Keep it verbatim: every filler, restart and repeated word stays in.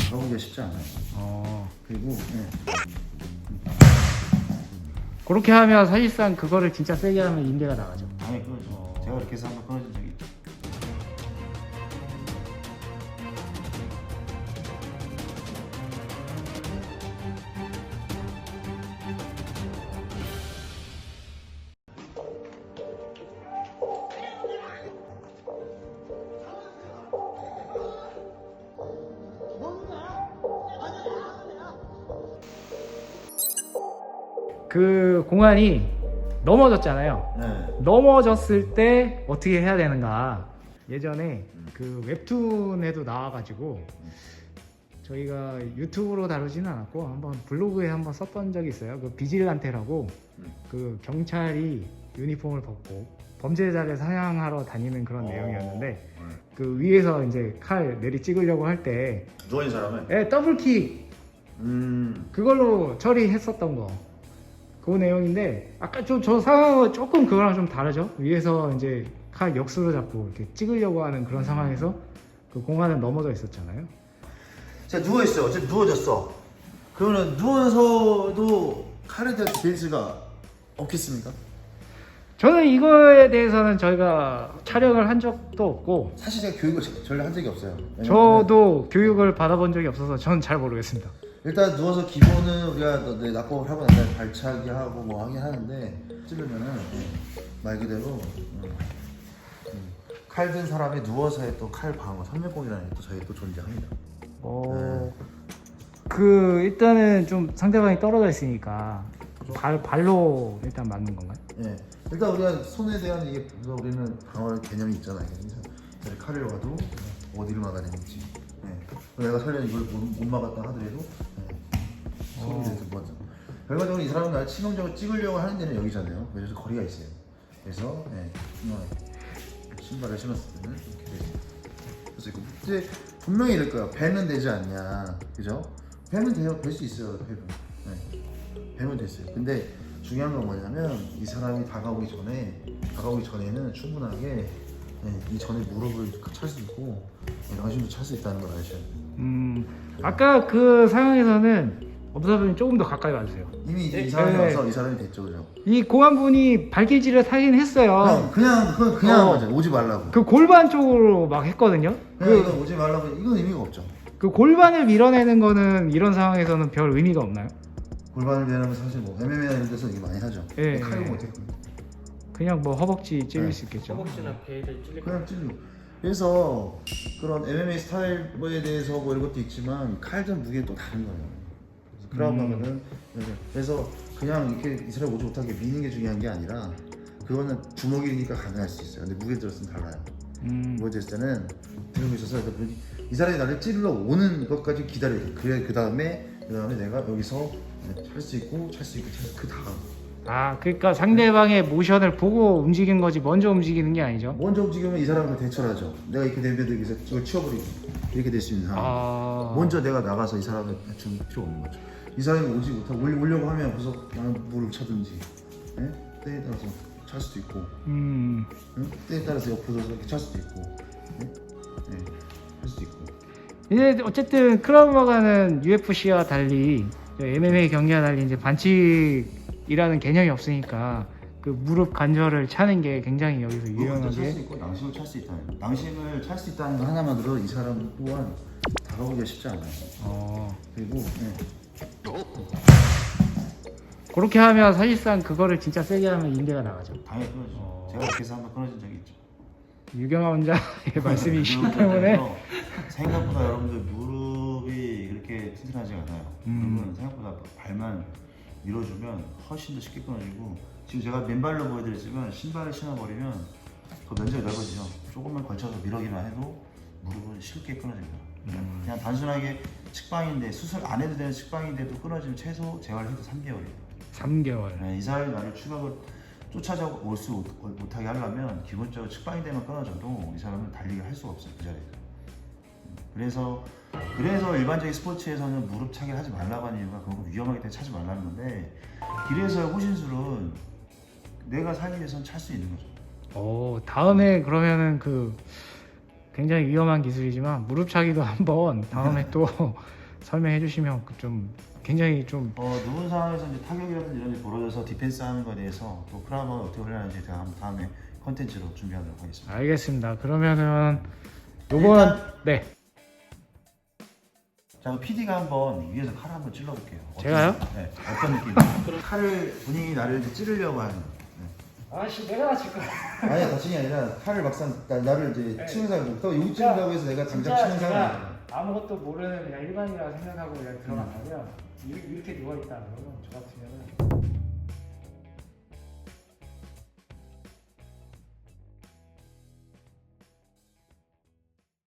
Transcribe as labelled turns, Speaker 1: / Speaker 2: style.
Speaker 1: 다가오기가 쉽지 않아요.
Speaker 2: 어.
Speaker 1: 그리고 네.
Speaker 2: 그렇게 하면 사실상 그거를 진짜 세게 하면 인대가 나가죠.
Speaker 1: 당연히 끊어져.
Speaker 2: 어.
Speaker 1: 제가 이렇게 해서 한번 끊어진 적이 있죠.
Speaker 2: 그 공안이 넘어졌잖아요.
Speaker 1: 네.
Speaker 2: 넘어졌을 때 어떻게 해야 되는가. 예전에 그 웹툰에도 나와가지고 저희가 유튜브로 다루지는 않았고 한번 블로그에 한번 썼던 적이 있어요. 그 비질란테라고 그 경찰이 유니폼을 벗고 범죄자를 사냥하러 다니는 그런
Speaker 1: 어.
Speaker 2: 내용이었는데
Speaker 1: 네.
Speaker 2: 그 위에서 이제 칼 내리 찍으려고 할 때
Speaker 1: 누워있는 사람은
Speaker 2: 예, 더블킥
Speaker 1: 음.
Speaker 2: 그걸로 처리했었던 거. 그 내용인데 아까 좀 저 상황은 조금 그거랑 좀 다르죠. 위에서 이제 칼 역수로 잡고 이렇게 찍으려고 하는 그런 상황에서 그 공간은 넘어져 있었잖아요.
Speaker 1: 자, 누워있어. 어쨌든 누워졌어. 그러면 누워서도 칼에 대한 디펜스가 없겠습니까?
Speaker 2: 저는 이거에 대해서는 저희가 촬영을 한 적도 없고
Speaker 1: 사실 제가 교육을 전혀 한 적이 없어요. 왜냐면은
Speaker 2: 저도 교육을 받아본 적이 없어서 저는 잘 모르겠습니다.
Speaker 1: 일단 누워서 기본은 우리가 네, 낙법을 하고 난 다음에 발차기 하고 뭐 하긴 하는데 찌르면은 네, 말 그대로 음, 음, 칼 든 사람이 누워서의 또 칼 방어 삼면공이라는 게 또 저희 또 존재합니다.
Speaker 2: 어, 그 일단은 좀 상대방이 떨어져 있으니까 발 발로 일단 맞는 건가요?
Speaker 1: 예. 일단 우리가 손에 대한 이게 우리는 방어 개념이 있잖아요. 그래서 칼을 와도 어디를 막아야 되는지. 예. 내가 설령 이걸 못, 못 막았다 하더라도 예. 손이 돼서 먼저. 결과적으로 이 사람은 날 치명적으로 찍으려고 하는 데는 여기잖아요. 그래서 거리가 있어요. 그래서 예. 신발을 신었을 때는 이렇게 돼요. 그래서 이제 분명히 이럴 거야. 배는 되지 않냐, 그죠? 배는 돼요. 될 수 있어요. 배는. 네. 배면 됐어요. 근데 중요한 건 뭐냐면 이 사람이 다가오기 전에 다가오기 전에는 충분하게 네, 이 전에 무릎을 찰 수 있고 양심도 찰 수 있다는 걸 아셔야 돼요.
Speaker 2: 음, 아까 그 상황에서는 업사분이 조금 더 가까이 와주세요.
Speaker 1: 이미 이제
Speaker 2: 네,
Speaker 1: 이 사람이
Speaker 2: 네.
Speaker 1: 와서 이 사람이 됐죠, 그죠?
Speaker 2: 이 공안분이 발길질을 하긴 했어요.
Speaker 1: 그냥 그냥 그건 그냥
Speaker 2: 어.
Speaker 1: 맞아요. 오지 말라고.
Speaker 2: 그 골반 쪽으로 막 했거든요.
Speaker 1: 그냥
Speaker 2: 그,
Speaker 1: 이건 오지 말라고 이건 의미가 없죠.
Speaker 2: 그 골반을 밀어내는 거는 이런 상황에서는 별 의미가 없나요?
Speaker 1: 골반을 내려면 사실 뭐 엠엠에이나 이런 데서 이게 많이 하죠.
Speaker 2: 예.
Speaker 1: 칼로 못해.
Speaker 2: 그냥 뭐 허벅지 찔릴
Speaker 1: 네.
Speaker 2: 수 있겠죠.
Speaker 3: 허벅지나 배를 찔릴 것
Speaker 1: 그냥 찔러. 그래서 그런 엠엠에이 스타일에 대해서 뭐 이런 것도 있지만 칼전 무게는 또 다른 거예요. 그래서 크라운
Speaker 2: 음.
Speaker 1: 가면은 그래서 그냥 이렇게 이 사람 오지 못하게 미는 게 중요한 게 아니라 그거는 주먹이니까 가능할 수 있어요. 근데 무게 들었으면 달라요.
Speaker 2: 음.
Speaker 1: 무게 들었을 때는 들고 있어서 이 사람이 나를 찌르러 오는 것까지 기다려야 돼. 그래 그 다음에 그 다음에 내가 여기서 찰 수 있고 찰 수 있고 찰 수 그 다음.
Speaker 2: 아, 그러니까 상대방의 모션을 보고 움직이는 거지 먼저 움직이는 게 아니죠.
Speaker 1: 먼저 움직이면 이 사람을 대처를 하죠. 내가 이렇게 내면도 여기서 이걸 치워버리고 이렇게 될 수 있는 상황.
Speaker 2: 아.
Speaker 1: 먼저 내가 나가서 이 사람을 줄 필요 없는 거죠. 이 사람이 오지 못하고 올- 오려고 하면 그래서 나는 물을 차든지 예? 때에 따라서 찰 수도 있고
Speaker 2: 음.
Speaker 1: 응? 때에 따라서 옆으로 이렇게 찰 수도 있고 예? 예, 할 수도 있고
Speaker 2: 이제 어쨌든 크라우마가는 유에프씨와 달리 엠엠에이 경기와 달리 이제 반칙이라는 개념이 없으니까 그 무릎 관절을 차는 게 굉장히 여기서
Speaker 1: 찰수
Speaker 2: 유용하게.
Speaker 1: 있고 낭심을 찰 수 있다는 거. 낭심을 찰 수 있다는 거 하나만으로 이 사람 또한 다가오기가 쉽지 않아요.
Speaker 2: 어.
Speaker 1: 그리고 예.
Speaker 2: 그렇게 하면 사실상 그거를 진짜 세게 하면 인대가 나가죠.
Speaker 1: 당연히 끊어지죠.
Speaker 2: 어.
Speaker 1: 제가 이렇게 해서 한번 끊어진 적이 있죠.
Speaker 2: 유경아 원장의 말씀이시기
Speaker 1: 무릎에
Speaker 2: 때문에
Speaker 1: 대해서 생각보다 여러분들 무릎이 그렇게 튼튼하지 않아요.
Speaker 2: 음.
Speaker 1: 무릎은 생각보다 발만 밀어주면 훨씬 더 쉽게 끊어지고 지금 제가 맨발로 보여드렸지만 신발을 신어버리면 더 면적이 넓어지죠. 조금만 걸쳐서 밀어기만 해도 무릎은 쉽게 끊어집니다.
Speaker 2: 음.
Speaker 1: 그냥 단순하게 측방인데 수술 안 해도 되는 측방인데도 끊어지면 최소 재활해도 삼 개월이에요.
Speaker 2: 삼 개월.
Speaker 1: 네, 이 사람이 나를 추격을 쫓아올 수 못하게 하려면 기본적으로 측방인대만 끊어져도 이 사람은 달리기를 할 수가 없어요, 그 자리에서. 그래서 그래서 일반적인 스포츠에서는 무릎 차기를 하지 말라고 하는 이유가 그거 위험하기 때문에 차지 말라는 건데 길에서의 호신술은 내가 살기 위해서는 찰 수 있는 거죠.
Speaker 2: 오, 다음에 그러면은 그 굉장히 위험한 기술이지만 무릎차기도 한번 다음에 또 설명해 주시면 그좀 굉장히 좀
Speaker 1: 어, 누군 상황에서 이제 타격이라든지 이런 게 벌어져서 디펜스 하는 거에 대해서 또 크라우마가 어떻게 훈련하는지 제가 한번 다음에 컨텐츠로 준비하도록 하겠습니다.
Speaker 2: 알겠습니다. 그러면은 요번 네
Speaker 1: 자, 피디가 한번 위에서 칼을 한번 찔러볼게요. 어떤-
Speaker 2: 제가요?
Speaker 1: 네, 어떤 느낌이에요? 칼을 본인이 나를 이제 찌르려고 하는. 네.
Speaker 2: 아씨 내가 다칠 거야.
Speaker 1: 아니 다친게 아니라 칼을 막상 나, 나를 이제
Speaker 2: 네.
Speaker 1: 치는 사람, 또 여기
Speaker 2: 진짜-
Speaker 1: 찌른다고 해서 내가 당장
Speaker 2: 진짜
Speaker 1: 치는 사람이
Speaker 2: 제가 아무것도 모르는 그냥 일반이라 생각하고 그냥 들어간다면 이- 이렇게 누워 있다 그러면 저 같으면은